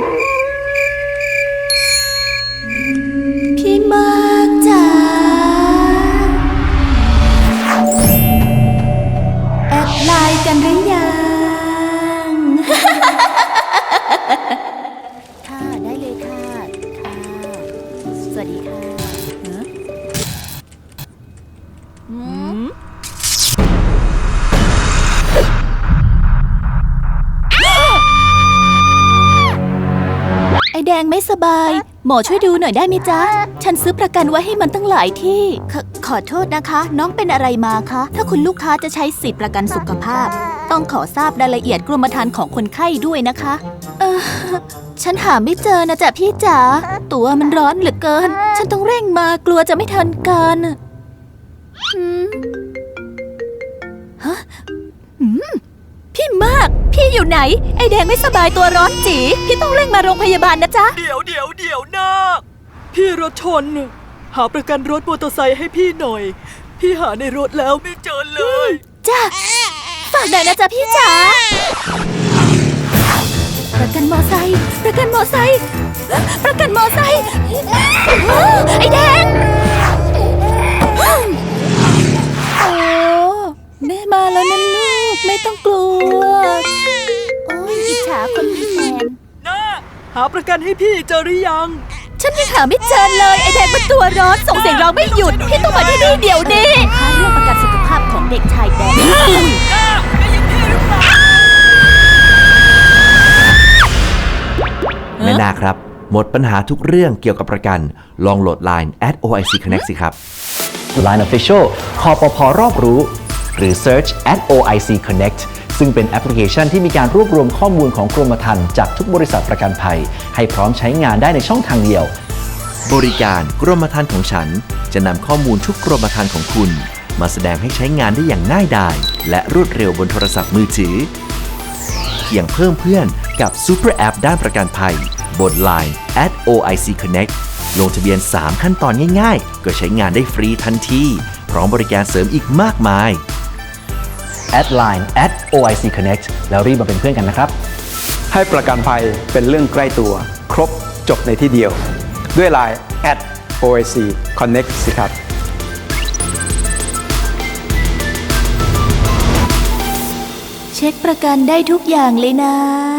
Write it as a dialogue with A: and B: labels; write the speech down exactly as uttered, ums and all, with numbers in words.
A: พี่มากจ๋าแอดไลน์กันหรือยัง ค่ะได้เลยค่ะค่ะสวัสดีค่ะอืมไอแดงไม่สบายหมอช่วยดูหน่อยได้ไหมจ๊ะฉันซื้อประกันไว้ให้มันตั้งหลายที่ขขอโทษนะคะ น้องเป็นอะไรมาคะถ้าคุณลูกค้าจะใช้สิทธิประกันสุขภาพต้องขอทราบรายละเอียดกรมธรรม์ของคนไข้ด้วยนะคะเออฉันหาไม่เจอนะจ๊ะพี่จ๋าตัวมันร้อนเหลือเกินฉันต้องเร่งมากลัวจะไม่ทันการหืมฮะหืมพี่มากพี่อยู่ไหนไอแดงไม่สบายตัวร้อนจีพี่ต้องเร่งมาโรงพยาบาลนะจ๊ะ
B: เดี๋ยวเดี๋ยวเดี๋ยวนะพี่รถชนหาประกันรถมอเตอร์ไซค์ให้พี่หน่อยพี่หาในรถแล้วไม่เจอเลย
A: จ้ะฝากหน่อยนะจ๊ะพี่จ๋าประกันมอไซค์ประกันมอไซค์ประกันมอไซค์ไอแดงโอ้แม่มาแล้วนะลูกไม่ต้องกลัวโอ้ยอิจฉาคนมีแฟน
B: นะหาประกันให้พี่เจอหรือยัง
A: ฉันยังหาไม่เจอเลยไอแดงมันตัวร้อนส่งเสียงร้องไม่หยุดพี่ต้องมาที่นี่เดี๋ยวนี้ค่าเรื่องประกันสุขภาพของเด็กชายแดง
C: แม่นาครับหมดปัญหาทุกเรื่องเกี่ยวกับประกันลองโหลด ไลน์ แอท โอ ไอ ซี Connect สิครับ
D: ไลน์ Official คปภ.รอบรู้หรือ Search แอท โอ ไอ ซี Connect ซึ่งเป็นแอปพลิเคชันที่มีการรวบรวมข้อมูลของกรมธรรม์จากทุกบริษัทประกันภัยให้พร้อมใช้งานได้ในช่องทางเดียว
C: บริการกรมธรรม์ของฉันจะนำข้อมูลทุกกรมธรรม์ของคุณมาแสดงให้ใช้งานได้อย่างง่ายดายและรวดเร็วบนโทรศัพท์มือถือเพียงเพิ่มเพื่อนกับ Super App ด้านประกันภัยบน ไลน์ แอท โอ ไอ ซี Connect ลงทะเบียน สาม ขั้นตอนง่ายๆก็ใช้งานได้ฟรีทันทีพร้อมบริการเสริมอีกมากมาย
D: แอดไลน์ แอท โอ ไอ ซี Connect แล้วรีบมาเป็นเพื่อนกันนะครับ
E: ให้ประกันภัยเป็นเรื่องใกล้ตัวครบจบในที่เดียวด้วย ไลน์ แอท โอ ไอ ซี Connect สิครับ
A: เช็คประกันได้ทุกอย่างเลยนะ